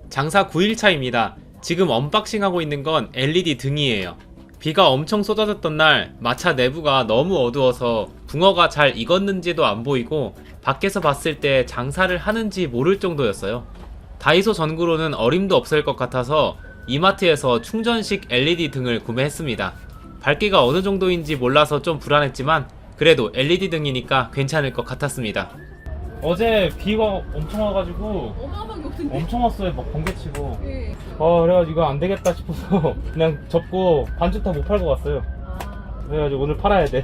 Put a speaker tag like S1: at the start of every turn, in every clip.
S1: 장사 9일차입니다. 지금 언박싱하고 있는 건 LED 등이에요. 비가 엄청 쏟아졌던 날 마차 내부가 너무 어두워서 붕어가 잘 익었는지도 안 보이고 밖에서 봤을 때 장사를 하는지 모를 정도였어요. 다이소 전구로는 어림도 없을 것 같아서 이마트에서 충전식 LED 등을 구매했습니다. 밝기가 어느 정도인지 몰라서 좀 불안했지만 그래도 LED 등이니까 괜찮을 것 같았습니다. 어제 비가 엄청 와가지고
S2: 어마어마하게 오던데?
S1: 엄청 왔어요. 막 번개치고.
S2: 네.
S1: 그래가지고 이거 안 되겠다 싶어서 그냥 접고 반죽 다 못 팔고 왔어요. 그래가지고 오늘 팔아야 돼.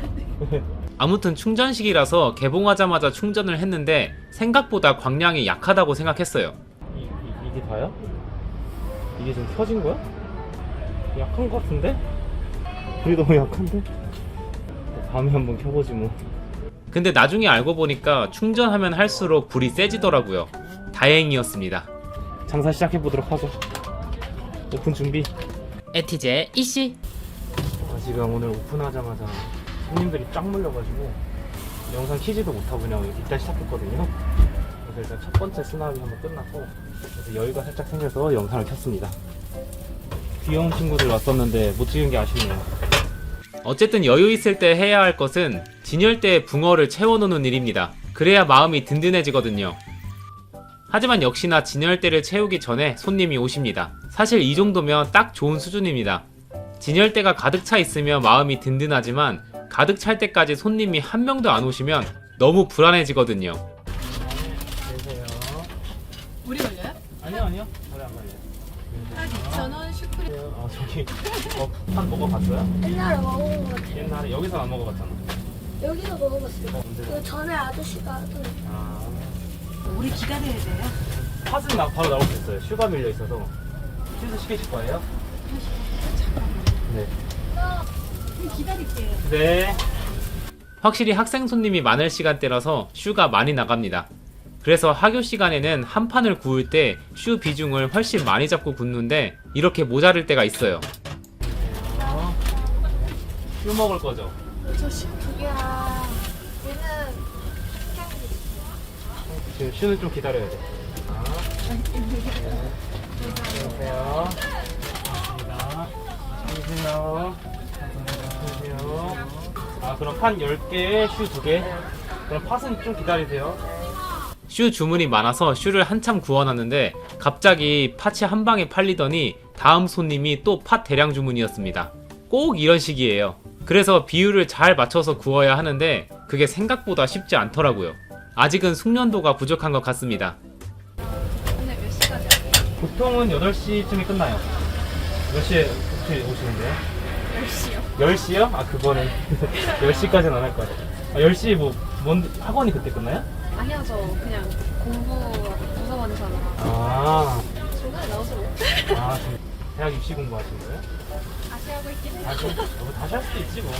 S1: 아무튼 충전식이라서 개봉하자마자 충전을 했는데 생각보다 광량이 약하다고 생각했어요. 이게 다야? 이게 좀 켜진 거야? 약한 거 같은데? 불이 너무 약한데? 밤에 한번 켜보지 뭐. 근데 나중에 알고 보니까 충전하면 할수록 불이 세지더라고요. 다행이었습니다. 장사 시작해보도록 하죠. 오픈 준비. 에티제 이씨. 지금 오늘 오픈하자마자 손님들이 쫙 몰려가지고 영상 키지도 못하고 그냥 이따 시작했거든요. 그래서 일단 첫 번째 수납이 한번 끝났고 그래서 여유가 살짝 생겨서 영상을 켰습니다. 귀여운 친구들 왔었는데 못 찍은 게 아쉽네요. 어쨌든 여유 있을 때 해야 할 것은 진열대에 붕어를 채워놓는 일입니다. 그래야 마음이 든든해지거든요. 하지만 역시나 진열대를 채우기 전에 손님이 오십니다. 사실 이 정도면 딱 좋은 수준입니다. 진열대가 가득 차 있으면 마음이 든든하지만 가득 찰 때까지 손님이 한 명도 안 오시면 너무 불안해지거든요. 계세요.
S2: 물이 걸려요?
S1: 아니요. 저래 안 걸려요.
S2: 딱 2,000원 슈크림.
S1: 저기 판 먹어봤어요?
S3: 옛날에 먹어본 것 같아.
S1: 옛날에 여기서 안 먹어봤잖아.
S3: 여기서 먹어봤어요.
S1: 언제?
S3: 그 전에 아저씨가 하던.
S2: 우리 기다려야 돼요?
S1: 팥은 바로 나올 수 있어요. 슈가 밀려 있어서. 슈즈 시키실 거예요? 네.
S2: 그럼 기다릴게요.
S1: 네. 확실히 학생 손님이 많을 시간대라서 슈가 많이 나갑니다. 그래서 학교 시간에는 한 판을 구울 때 슈 비중을 훨씬 많이 잡고 굽는데 이렇게 모자랄 때가 있어요. 슈 먹을 거죠?
S3: 저씨 두 개랑 얘는
S1: 지금 슈는 좀 기다려야 돼. 안녕하세요. 안녕하세요. 그럼 판 10개에 슈 2개. 그럼 팥은 좀 기다리세요. 슈 주문이 많아서 슈를 한참 구워놨는데 갑자기 팥이 한 방에 팔리더니 다음 손님이 또 팥 대량 주문이었습니다. 꼭 이런 식이에요. 그래서 비율을 잘 맞춰서 구워야 하는데 그게 생각보다 쉽지 않더라고요. 아직은 숙련도가 부족한 것 같습니다.
S2: 오늘 몇 시까지 하세요?
S1: 보통은 8시쯤에 끝나요. 몇 시에 오시는데요?
S2: 10시요.
S1: 10시요? 그거는 10시까지는 안 할 것 같아요. 10시 학원이 그때 끝나요?
S2: 아니요, 저 그냥 공부 도서관에서
S3: 중간에 나오서
S1: 지금 대학 입시 공부하시는 거예요?
S2: 다시 하고 있긴 해요.
S1: 뭐 다시 할 수도 있지 뭐.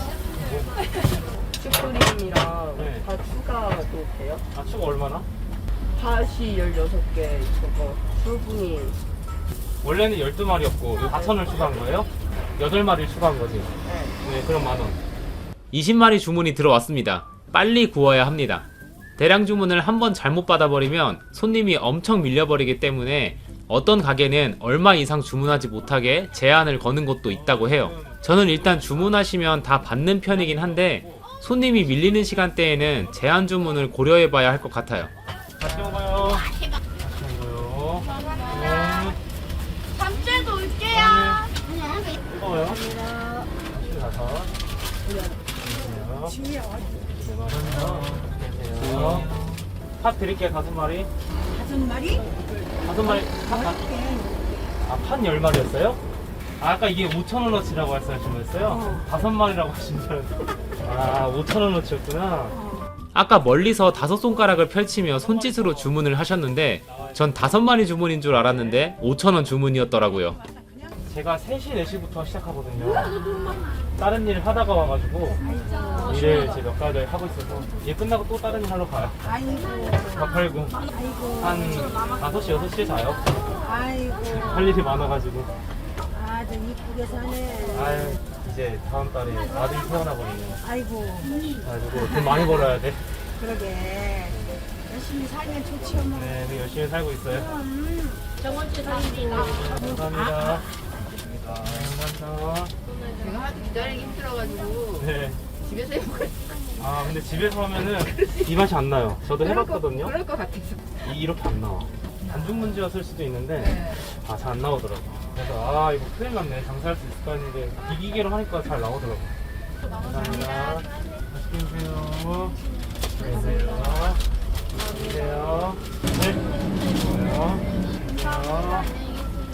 S4: 슈크림이랑
S1: 네.
S4: 다 추가도 돼요?
S1: 추가 얼마나?
S4: 팥이 16개 있어서 붉은이
S1: 원래는 12마리였고 4,000을 추가한 거예요? 8마리를 추가한 거지? 네, 그럼 만원. 20마리 주문이 들어왔습니다. 빨리 구워야 합니다. 대량 주문을 한번 잘못 받아버리면 손님이 엄청 밀려버리기 때문에 어떤 가게는 얼마 이상 주문하지 못하게 제한을 거는 곳도 있다고 해요. 저는 일단 주문하시면 다 받는 편이긴 한데 손님이 밀리는 시간대에는 제한 주문을 고려해봐야 할 것 같아요. 같이 먹어요. 같이 먹어요. 네.
S3: 밤새도 올게요.
S1: 먹어요. 5. 팥 드릴게요. 5마리.
S2: 5마리?
S1: 5마리. 팥 10마리였어요? 아까 이게 5,000원어치라고 말씀하셨어요? 5마리라고 하신 줄 알았는데 5,000원어치였구나. 아까 멀리서 5손가락을 펼치며 손짓으로 주문을 하셨는데 전 5마리 주문인 줄 알았는데 5,000원 주문이었더라고요. 제가 3시, 4시부터 시작하거든요. 다른 일 하다가 와가지고 일을 제 몇 가지 하고 있어서 일 끝나고 또 다른 일 하러 가요. 밥 팔고 한 5시, 6시에 자요. 할 일이 많아가지고.
S5: 아들 이쁘게 사네.
S1: 이제 다음 달에 아들이 태어나거든요.
S5: 아이고,
S1: 그래가지고 돈 많이 벌어야 돼.
S5: 그러게. 열심히 살면 좋지, 엄마.
S1: 네, 열심히 살고 있어요. 감사합니다. 감사합니다.
S4: 제가 하도 기다리기 힘들어가지고
S1: 네.
S4: 집에서 해먹을
S1: 아 근데 집에서 하면은 이 맛이 안 나요. 저도 해봤거든요.
S4: 그럴 것 같아서.
S1: 이렇게 안 나와. 반죽 문제였을 수도 있는데
S4: 네.
S1: 아 잘 안 나오더라고. 그래서 아 이거 큰일 났네. 장사할 수 있을까 했는데 이 기계로 하니까 잘 나오더라고. 감사합니다. 맛있게 드세요. 드세요. 드세요. 네. 드세요. 드세요.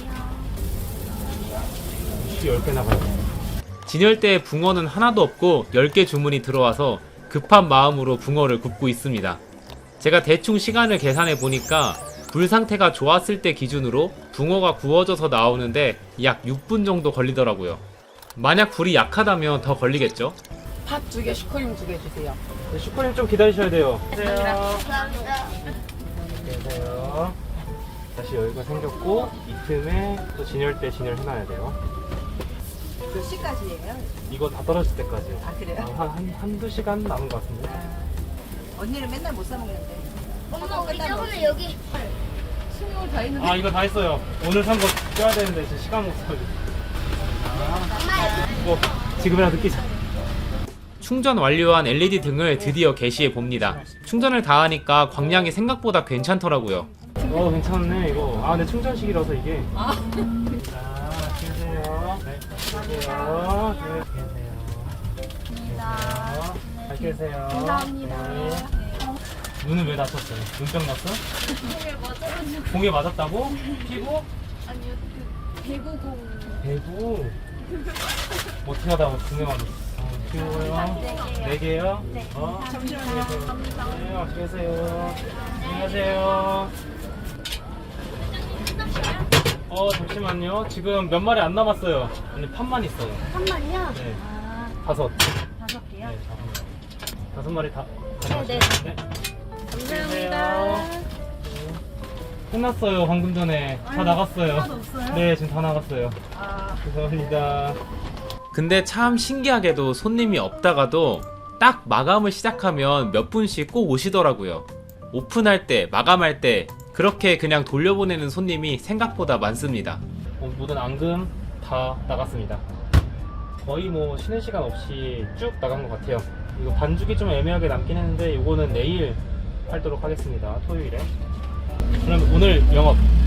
S1: 10개 나가요. 진열대에 붕어는 하나도 없고 10개 주문이 들어와서 급한 마음으로 붕어를 굽고 있습니다. 제가 대충 시간을 계산해 보니까 불 상태가 좋았을 때 기준으로 붕어가 구워져서 나오는데 약 6분 정도 걸리더라고요. 만약 불이 약하다면 더 걸리겠죠?
S4: 팥 2개, 슈크림 2개 주세요.
S1: 네, 슈크림 좀 기다리셔야 돼요.
S3: 감사합니다.
S1: 안녕하세요. 다시 여기가 생겼고 이 틈에 또 진열대 진열해놔야 돼요.
S5: 몇 시까지예요?
S1: 이거 다 떨어질 때까지요.
S5: 아, 그래요?
S1: 한두 시간 남은 것 같은데.
S5: 언니는 맨날 못 사 먹는데.
S3: 엄마 우리 저번에 여기
S2: 스물 다 있는데.
S1: 아 이거 다 했어요. 오늘 산 거 껴야 되는데 지금 시간 못 써가지고. 뭐 지금이라도 끼자. 충전 완료한 LED 등을 드디어 게시해 봅니다. 충전을 다 하니까 광량이 생각보다 괜찮더라고요. 괜찮네 이거. 아 근데 충전식이라서 이게. 자, 계세요. 네, 계세요. 네, 계세요. 잘 계세요. 감사합니다. 눈은 왜 다쳤어요? 눈병 났어?
S2: 공에 맞아가지고.
S1: 공에 맞았다고? 피부?
S2: 아니요, 그 배구공.
S1: 배구. 어떻게 하다가 공에 맞았어? 귀여워요. 4개요? 네. 잠시만요. 네, 맛있게 계세요. 안녕하세요. 잠시만요. 지금 몇 마리 안 남았어요. 아니, 판만 있어요.
S3: 잠깐만요.
S1: 네.
S3: 아,
S1: 5.
S3: 5개요?
S1: 네, 5마리 다.
S3: 네.
S1: 감사합니다. 끝났어요. 방금 전에 다 나갔어요. 네, 지금 다 나갔어요. 죄송합니다. 근데 참 신기하게도 손님이 없다가도 딱 마감을 시작하면 몇 분씩 꼭 오시더라고요. 오픈할 때, 마감할 때 그렇게 그냥 돌려보내는 손님이 생각보다 많습니다. 모든 앙금 다 나갔습니다. 거의 뭐 쉬는 시간 없이 쭉 나간 것 같아요. 이거 반죽이 좀 애매하게 남긴 했는데 이거는 내일 팔도록 하겠습니다. 토요일에. 그럼 오늘 영업